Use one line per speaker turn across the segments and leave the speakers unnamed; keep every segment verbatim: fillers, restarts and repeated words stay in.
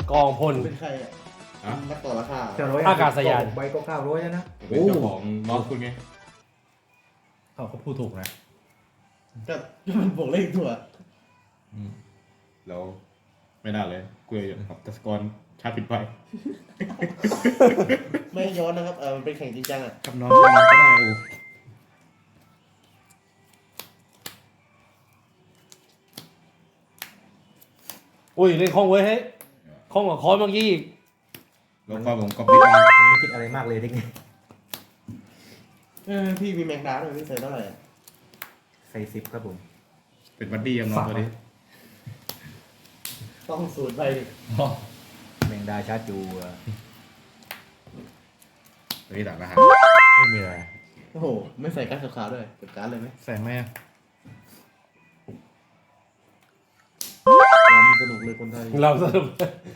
กองพล
เป็นใครอ่ะนักต่อราคา
เก้าร้อย
อากาศยาน
ใบก็เก้าร้อยแล้วนะ
เป็นเจ้าของน็อตคุณไง
เขาเขาพูดถูกนะ
ก็มันบวกเลขตัว
แล้วไม่น่าเลยคุยกับตัสกรชาติผิดไป
ไม่ให้ย้อนนะครับเออมันเป็นแข่งจริงจังอ่ะ
คำนองคำนองก็ได้โอ้
อุ้ยเล่นคล่องเว้ยเฮ้ยคล่องกว่าคอนเมื่อกี้อีก
แล้วก็ผมก็ปิดมา
มันไม่คิดอะไรมากเลยเด็กนี่
เออพี่มีแมงดาด้วยพี่ใส่เท่าไหร่อะ
ใส่สิบครับผม
เป็นบัดดี้กับน้องตัวนี้
ต้องสูตรไปดิ
แมงดาชาจูอะ
ตัวนี้ต่างนะฮะ
ไม่มีอะไร
โอ้โหไม่ใส่การ์ดขาวๆด้วยเก็บการ์ดเลยไหม
แสงไหมอะ
รำสนุกเลยคนไทย
เราสรุป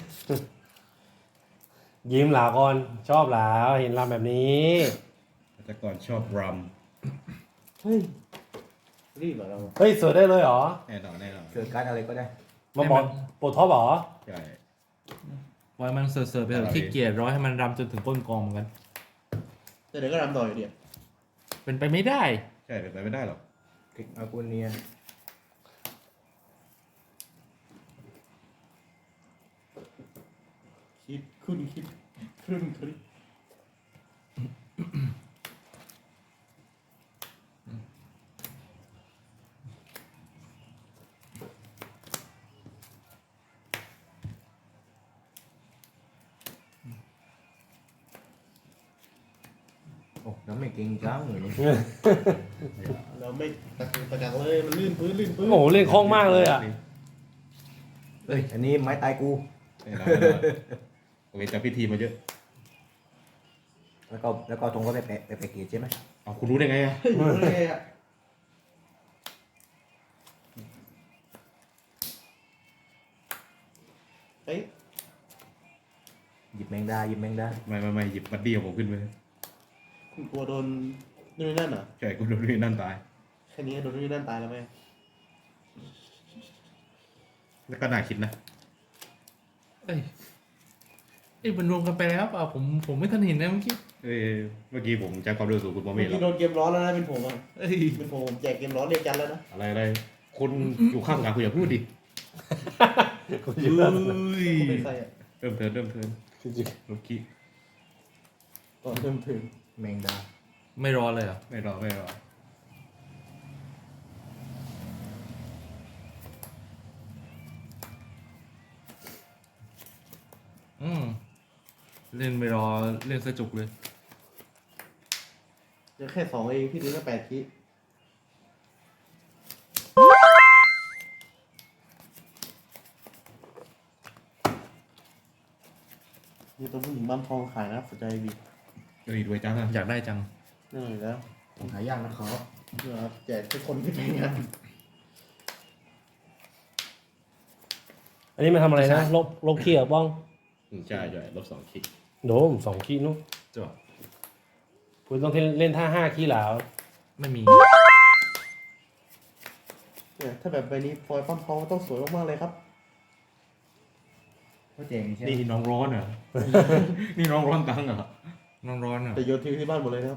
ยิ้มหลาก่อนชอบหลาเห็นลำแบบนี้
แต่ก่อนชอบรัม
เฮ้ยรีบเหรอเรา
เฮ้ยสวยได้เลยเหรอ
แน่นอนแน่นอน
เกิดการอะไรก็ได้
มาบอกโปรท็อปเหรอ
ใช่
ปล่อยมันเสิร์ฟๆไปเถ
อะไร
อะขี้เกียจร้อยให้มันรำจนถึงก้นกองเหมือนกัน
แต่เดี๋ยวก็รำต่ออยู่เดียว
เป็นไปไม่ได้
ใช่เป็นไปไม่ได้หรอก
คลิกอากูเนีย
คิดคุณคิดครึ่งคลิป
โอ้น้ำไม่เก่งจังเลยนี่
เราไม่ตะกุกตะกักเลยมันลื่นพื้นลื่นพื้น
โอ้โหเล่นคล่องมากเลยอ่ะ
เอ้ยอันนี้ไม้ตายกู
แน่นอนแน่นอนโอเคจับพิธีมาเยอะ
แล้วก็แล้วก็ตรงก็ไปแปะไปแปะเกจใช่ไหม
เอาคุณรู้ได้ไงอะ
เฮ้ยรู้ได้ไงอ่ะเอ้ย
หยิบแมงดาหยิบแมงดา
ไม่ไม่ไม่หยิบบัดดี้ของผมขึ้นไป
คุณกลัวโดนนู่นนี่นั่นเหรอ
ใช่กูโดนนี่นั่นตาย
แค่นี้โดนนู่นนี่นั่นตายแล้วไหม
แล้วก็น่าคิดนะ
เอ้ยเอ้ยมันรวมกันไปแล้วเปล่าผมผมไม่ทันเห็นนะเมื่อกี้
เอ้ยเมื่อกี้ผมใช้ความเร็วสูงคุณมองไม่
เมื่อ
เห็นหร
กี้
อก
โดนเกมร้อนแล้วนะเป็นผมอ่ะ
เอ้ย
เป็นผมผมแจกเกมร้อนเรียกจันแล้วนะ
อะไรอะไรคุณอยู่ข้างหลังคุณอย่าพูดดิ
กู
เอ้
เยอะ
ย
ผมเป็นใครอ่ะ
เริ่มเทิร์นเริ่มเทิร์น
จริง
ลูกกี้
ตอนเริ่มถึง
แมงดา
ไม่รอเลยเหรอ
ไม่รอไม่รอ
อืมเล่นไม่รอเล่นสะจุกเลย
เดี๋ยวแค่สองเองพี่ดูแค่แปดคินี่ตัวผู้หญิงบ้านทองขายนะสนใจบี
เอ้ยรวยจังอะ
อยากได้จัง
นี่อยู่แล้ว
ผมหายากนะครับ
เนี่ยครับแจกทุกคนที่ไปงาน
อันนี้มันทำอะไรนะลบลบขี้เหรอบ้อง
อืมใช่ใช่ลบสองคิก
โดมสองขี้นู้น
จ้ะ
คุณต้องเล่นท่าห้าขี้หลาว
ไม่มี
เนี่ยถ้าแบบใบนี้ฟอยล์ปั้มทองต้องสวยมากๆเลยครับ
ก็เจ๋งใช่ไหม
นี่น้องร้อนเหรอ นี่น้องร้อนตังค์เหรอ
น้องร้อนอ่ะ
แต่โยนทิ้งที่บ้านหมดเลยนะครับ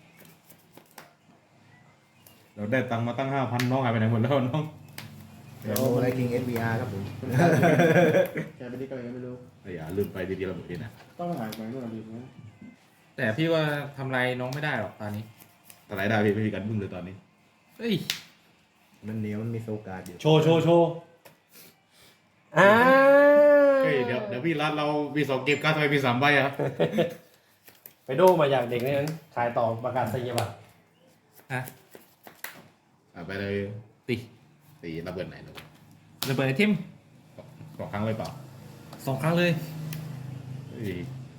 เราได้ตังค์มาตั้งห้าพันน้องหายไปไหนหมดแล้วน้อง
เดี๋ยวอะไรกิงเอสบีอาร์ครับผม
แกไปนี่ก็ยังไม่รู้
ไอ้ยาลืมไปดีๆระเบิดเองนะ
ต้องหายไปเมื่อไหร่ดีไหม
แต่พี่ว่าทำไรน้องไม่ได้หรอกตอนนี้
แต่รายได้พี่ไม่มีการบึ้มเลยตอนนี้
เฮ้ย
มันเหนียวมันมีโซกาดอยู่
โชว์โชว์โชว์อ่า
เฮ้ยเดี๋ยวเดี๋ยวพี่รัดเรามีสองเกมการ์ดทำไมมีสามใบอะ
ไปโดมาจากเด็กนั้นขายต่อประกาศนียบัตร
ฮะ
อ่ะไปเลย
ติ
ตีระเบิดไหนลูก
ระเบิดไอเทม
สองครั้งเลยเปล่า
สองครั้งเลย
เฮ้ย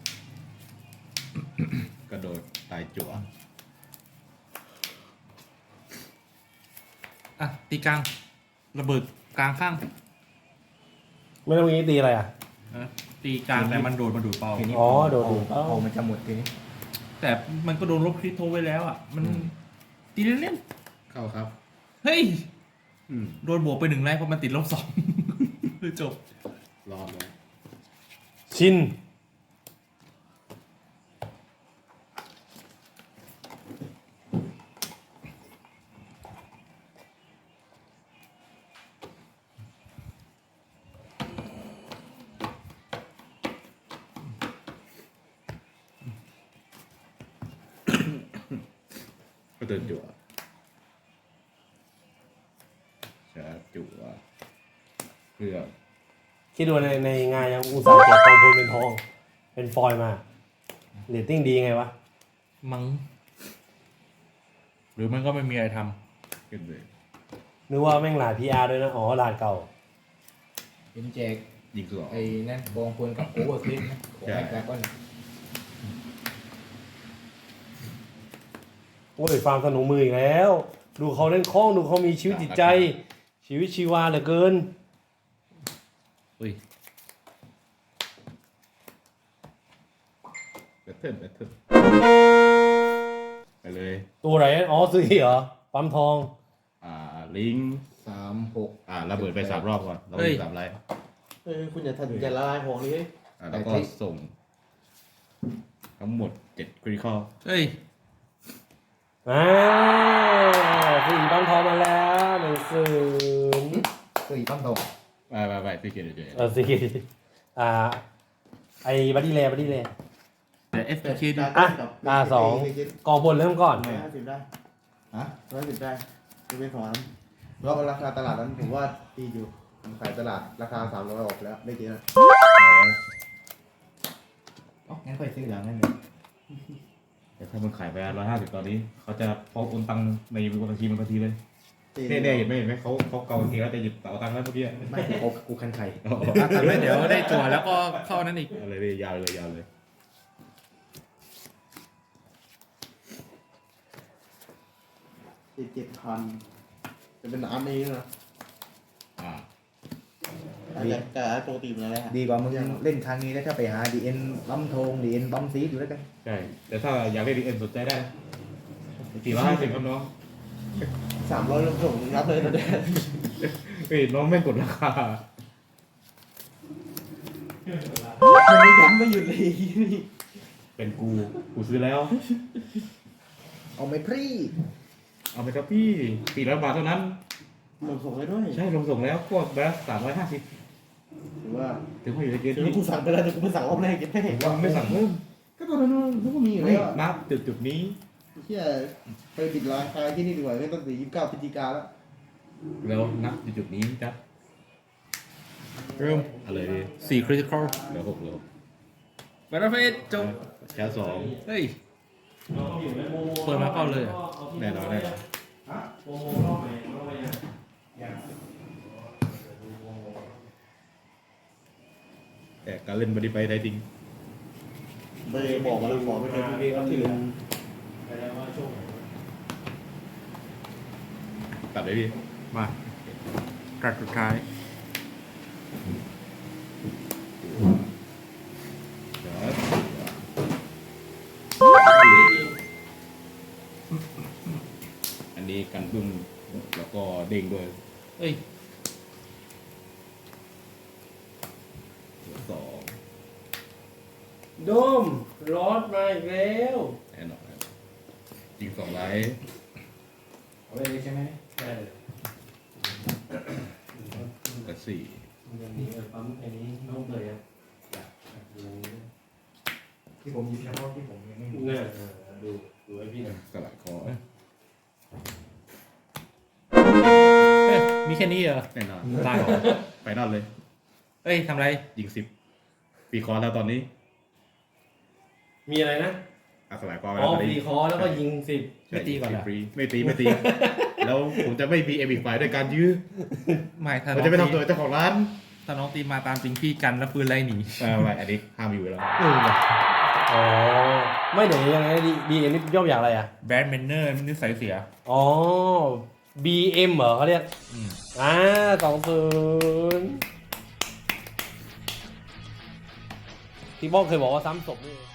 กระโดดตายจั่ว
อ่ะตีกลางระเบิดกลางข้าง
ไม่ต้องมีตีอะไรอ่ะ
นะตีกลางแต่มันโดดมาดูดเปล่า
ทีนี้
อ๋อโดด
พ
ดูด
พอมันจะหมดทีนี้
แต่มันก็โดนลบคริสโทไว้แล้วอ่ะ มันตีเล่น
เข้าครับ
ๆเฮ้ย
อืม
โดนบวกไปหนึ่งไลฟ์เพราะมันติดลบสอง จบ
รอดเลย
ชิน
ก็เดินจั่วชาร์จจั่วเพื่อ
คิดดูในในงานยังอุตส่าห์แจกทองพูนเป็นทอง เป็นฟอยล์มาเรตติ้งดีไงวะ
มังหรือมันก็ไม่มีอะไรท
ขึ้นเลย
นึกว่าแม่งหลาด พี อาร์ ด้วยนะ อ๋อหลาดเก่า
เป็นแจก
ยิงสอง
ไอ้นั่นกองพลกับโอเวอร์คลิปนะของไอ้ดราก้อน
โอ้ยฟาร์มสนุกมืออีกแล้ว ดูเขาเล่นคล่องดูเขามีชีวิตจิตใจ ชีวิตชีวาเหลือเกิน
ำอุ้ย
แบทเทิลแบทเทิลไปเลย
ตัวไหนอ๋อซื้อเหรอ ปั๊มทอง
อ่าลิงก์
สามหก
อ่าระเบิดไปสามรอบก่อนระเบิดสามไลท์
เออคุณอย่าทันอย่าละลายของนี้
อ่าแล้วก็ส่ง ทั้งหมดเจ็ดคริคอล
เฮ้ย
อ่าสี่ปั๊มทองมาแล้วหนึ่งศูนย์
สี่ตั้มตก
ไปไปไปพี่เกียรติเฉย
เออสี่อ่า ไอ้บัดดี้แลบัดดี้แล
เดี๋ยวเอฟคิด
อ่ะตาสอง กองบนเริ่มก่อน
ร้อยห้าสิบได้
ฮะ
ร้อยสิบได้จะเป็นของนั้นเพราะราคาตลาดนั้นผมว่าดีอยู่ผมขายตลาดราคาสามร้อยออกแล้วไม่เยอะ
อ๋องั้นค่อยซื้อหลังนั่นเลย
แต่ถ้ามันขายไปร้อยห้าสิบตอนนี้ เขาจะพอโอนตังค์ในบัญชีมันทันทีเลยเนี่ยเนี่ยเห็นไหมเห็นไหมเขาเขาเกาเองแล้วจะหยิบเป๋าตังค์แล้วเมื่อกี้
ไม่กูกูคันไข่
อ๋อ
อ่ะแต่ไม่เดี๋ยวได้จั่วแล้วก็เข้านั้นอีก
อะไรเลยยาวเลยยาวเลย
สิบเจ็ดพันจะเป็นน้ำนี้นะ
อ่า
อาจจะแต่ปกติมันอะไรฮะ
ดีกว่ามึงเล่นครั้งนี้แล้วถ้าไปหาดีเอ็นบัมทงดีเอ็นบัมซีดอยู่แล้วกัน
ใช่แต่ถ้าอยากเล่นดีเอ็นสนใจได้สี่ร้อยห้าสิบครับน้อง
สามร้อยลงส่งรับเลยนะเด็ก
เฮ้ยน้องไม่กดราคา
มันไม่ย้ำไม่หยุดเลย
เป็นกูกูซื้อแล้ว
เอาไม่พรี
เอาไปครับพี่สี่ร้อยบาทเท่านั้น
ลงส่งให้ด้วย
ใช่ลงส่งแล้วพวกแบบสามร้อยห้าสิบ
หรือว่า
ถึงว่าอยู่ในเกณฑ์
คือ
ที่
กูสั่งไปแล้วแต่กูไม่สั่งรอบแรกยังไม่เห็น
ว่าไม่สั่งเพิ่ม
ก็ตอนนั้นมันก็มีอยู่
ไม่
แล้ว
นับจุดจุดนี้
เที่ยไปปิดร้านขายที่นี่ดีกว่าไม่ต้องถึงยี่สิบเก้าพฤศจิกาแล้ว
แล้วนับจุดจุดนี้จ้ะ
เริ่ม
อะไรดี
สี่คริติคอล
เหลือหกเหลือ
แบทเทิลเฟสจบ
แค่สอง
เฮ้ย เปิดมาเข้าเลยอ่ะ
แน่นอนแน่นอนแต่การเล่นบอดี้ไปได้จริง
ไปบอกมาแล้วขอไปเป็นพี่ครับที่เหลือ
ตัดเลยพี่
มากัดสุดท้าย
เดี๋ยวอันนี้กันบึ้มแล้วก็เด้งด้วย
เอ้ย
เหลือสอง
โดมรอดมาอีกแล้ว
แน่นอนยิงสองไลท์
เอาไปเลยใช่ไหม
ใช่
กับสี่
อย่างนี้ปั๊มอันนี้น้องเลยอ่ะอยากดู
ที่ผมหยิบเฉพาะที่ผมยังไม่มี
เนี่ยดูดูให้พี่หน่อย
สลัดคอ
เฮ้ย มีแค่นี้เหรอ
แน่นอน
ตายเหรอ
ไปนอนเลย
เอ้ยทำไร
ยิงสิบปีคอร์แล้วตอนนี้
มีอะไรนะ
อัสลายคอร์
อ๋อ
แล้วตอน
ฟรี
นี้
คอร์แล้วก็ยิงสิบ
ไม่ตีก่อนเหรอ
ฟรีไม่ตีไม่ตี แล้วผมจะไม่มีเอมิกไฟด้วยการยื้อ
ไม่ถ้า
ผม
น้อง
จะไม่
ตี
ทำตัวเจ้าของร้าน
ถ้าน้องตีมาตามจริงพี่กันแล้วปืนไล่หนี
อ่าไม่อันนี้ห้ามอยู่แล้ว
เออว่ะ
อ๋อไม่เดี๋ยวยังไงดีดีเอ็นนี่ย่อมาจากอะไรอ่ะ
แบดแมนเนอร์นิสัยเสีย
อ๋อ บี เอ็ม เหรอเขาเรียก
อืม
อ่าสองศูนย์ที่บ้องเคยบอกว่าซ้ำศพนี่